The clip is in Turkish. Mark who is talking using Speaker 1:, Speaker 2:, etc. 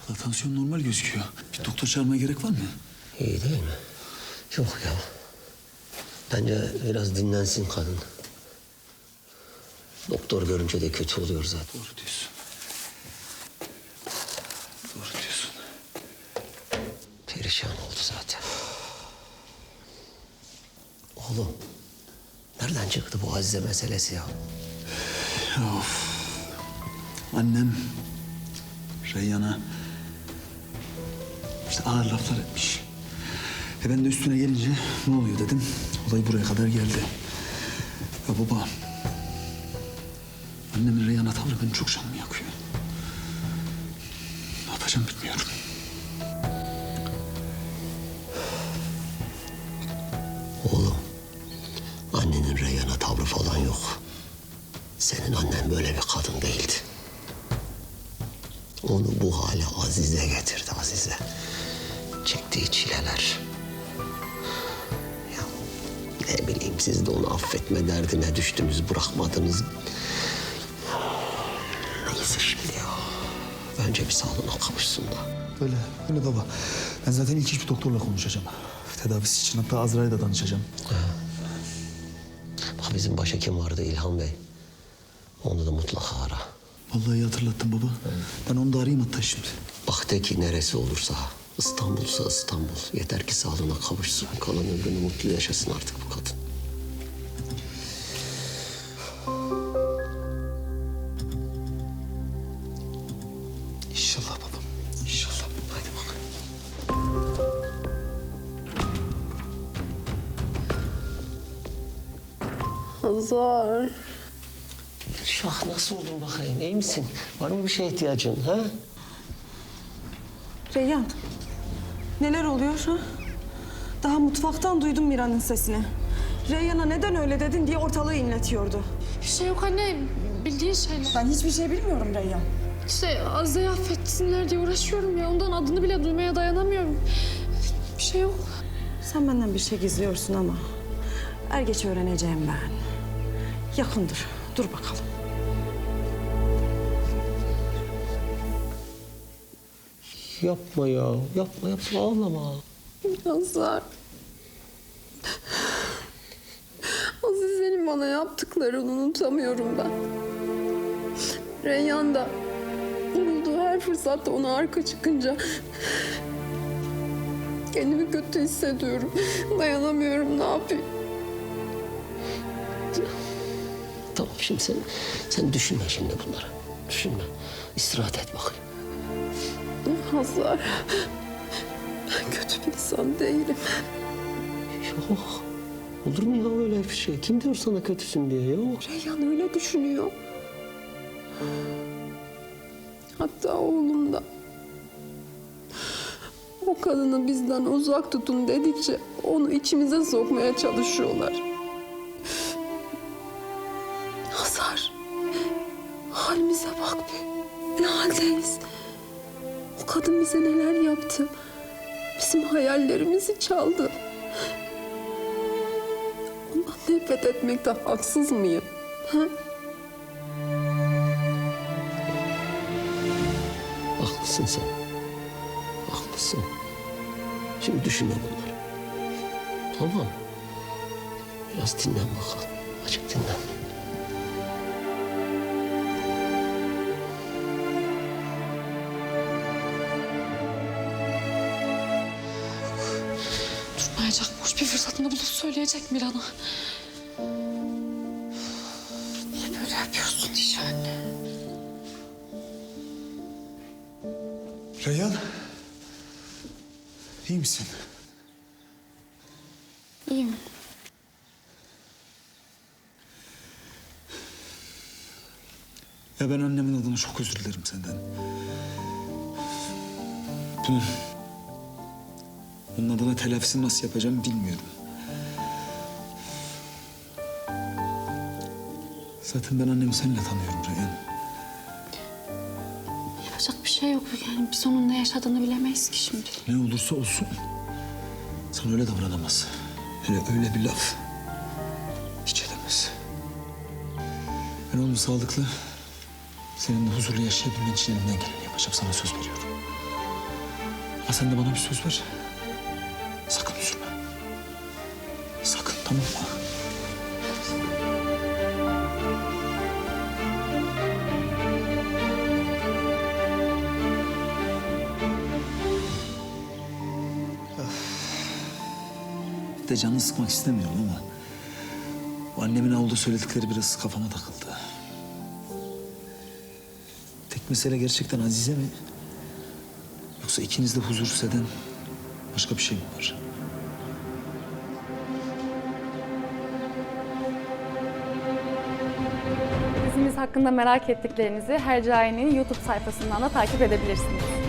Speaker 1: Valla tansiyon normal gözüküyor. Bir doktor çağırmaya gerek var mı?
Speaker 2: İyi değil mi? Yok ya. Bence biraz dinlensin kadın. Doktor görünce de kötü oluyor zaten.
Speaker 1: Doğru diyorsun. Doğru diyorsun.
Speaker 2: Perişan oldu zaten. Oğlum, nereden çıktı bu Azize meselesi ya?
Speaker 1: Of. Annem Reyyan'a işte ağır laflar etmiş. Ben de üstüne gelince ne oluyor dedim. Olay buraya kadar geldi. Ya baba, annemin Reyyan'a tavrı benim çok canımı yakıyor. Ne yapacağım bilmiyorum.
Speaker 2: Oğlum, annenin Reyhan'a tavrı falan yok. Senin annen böyle bir kadın değildi. Onu bu hale Azize getirdi, Azize. Çektiği çileler. Ya ne bileyim, siz de onu affetme derdine düştünüz, bırakmadınız. Neyse şimdi ya. Bence bir sağlığına kavuşsun da.
Speaker 1: Öyle baba. Ben zaten ilk iş bir doktorla konuşacağım. Tedavisi için hatta Azra'ya da danışacağım.
Speaker 2: Bak bizim başhekim vardı İlhan Bey. Onu da mutlaka ara.
Speaker 1: Vallahi iyi hatırlattın baba. Ben onu da arayayım hatta şimdi.
Speaker 2: Bak de ki neresi olursa, İstanbul'sa İstanbul. Yeter ki sağlığına kavuşsun. Kalan ömrünü mutlu yaşasın artık bu kadın.
Speaker 1: İnşallah babam. İnşallah.
Speaker 2: Haydi bak.
Speaker 3: Hazar.
Speaker 2: Şah nasıl oldun bakayım? İyi misin? Var mı bir şeye ihtiyacın ha?
Speaker 3: Reyyan. Neler oluyor ha? Daha mutfaktan duydum Mira'nın sesini. Reyyan'a neden öyle dedin diye ortalığı inletiyordu.
Speaker 4: Bir şey yok anne, bildiğin şeyler.
Speaker 3: Ben hiçbir şey bilmiyorum Reyyan.
Speaker 4: İşte Azize'yi affetsinler diye uğraşıyorum ya. Ondan adını bile duymaya dayanamıyorum. Bir şey yok.
Speaker 3: Sen benden bir şey gizliyorsun ama er geç öğreneceğim ben. Yakındır. Dur bakalım.
Speaker 2: Yapma ya. Yapma ağlama.
Speaker 3: Hazar. Azize'nin bana yaptıklarını unutamıyorum ben. Reyyan da bulduğu her fırsatta ona arka çıkınca kendimi kötü hissediyorum. Dayanamıyorum, ne yapayım?
Speaker 2: Tamam şimdi sen düşünme şimdi bunları. Düşünme. İstirahat et bakayım.
Speaker 3: Hazar, ben kötü bir insan değilim.
Speaker 2: Yok. Olur mu ya öyle bir şey? Kim diyor sana kötüsün diye? Yok.
Speaker 3: Reyhan öyle düşünüyor. Hatta oğlum da. O kadını bizden uzak tutun dedikçe onu içimize sokmaya çalışıyorlar. Hazar, halimize bak bir. Ne haldeyiz? O kadın bize neler yaptı? Bizim hayallerimizi çaldı. Ondan nefret etmekte haksız mıyım? Ha?
Speaker 2: Haklısın sen. Haklısın. Şimdi düşünme bunları. Tamam. Biraz dinlen bakalım. Azıcık dinlen.
Speaker 4: Durmayacak, boş bir fırsatını bulup söyleyecek Miran'a. Niye böyle yapıyorsun iş anne?
Speaker 1: Reyhan. İyi misin?
Speaker 4: İyiyim.
Speaker 1: Ya ben annemin adına çok özür dilerim senden. Bunun adına telafisini nasıl yapacağımı bilmiyorum. Zaten ben annemi seninle tanıyorum Reyhan.
Speaker 4: Yapacak bir şey yok. Yani biz onun ne yaşadığını bilemeyiz ki şimdi.
Speaker 1: Ne olursa olsun sana öyle davranamaz. Öyle bir laf hiç edemez. Ben oğlum sağlıklı, seninle huzurlu yaşayabilmen için elimden geleni yapacağım. Sana söz veriyorum. Ama sen de bana bir söz ver. Sakın üzülme. Sakın, tamam mı? Bir de canını sıkmak istemiyorum ama... ...o annemin avluda söyledikleri biraz kafama takıldı. Tek mesele gerçekten Azize mi? Yoksa ikiniz de huzursuz eden başka bir şey mi var?
Speaker 5: Dizimiz hakkında merak ettiklerinizi Hercai'nin YouTube sayfasından da takip edebilirsiniz.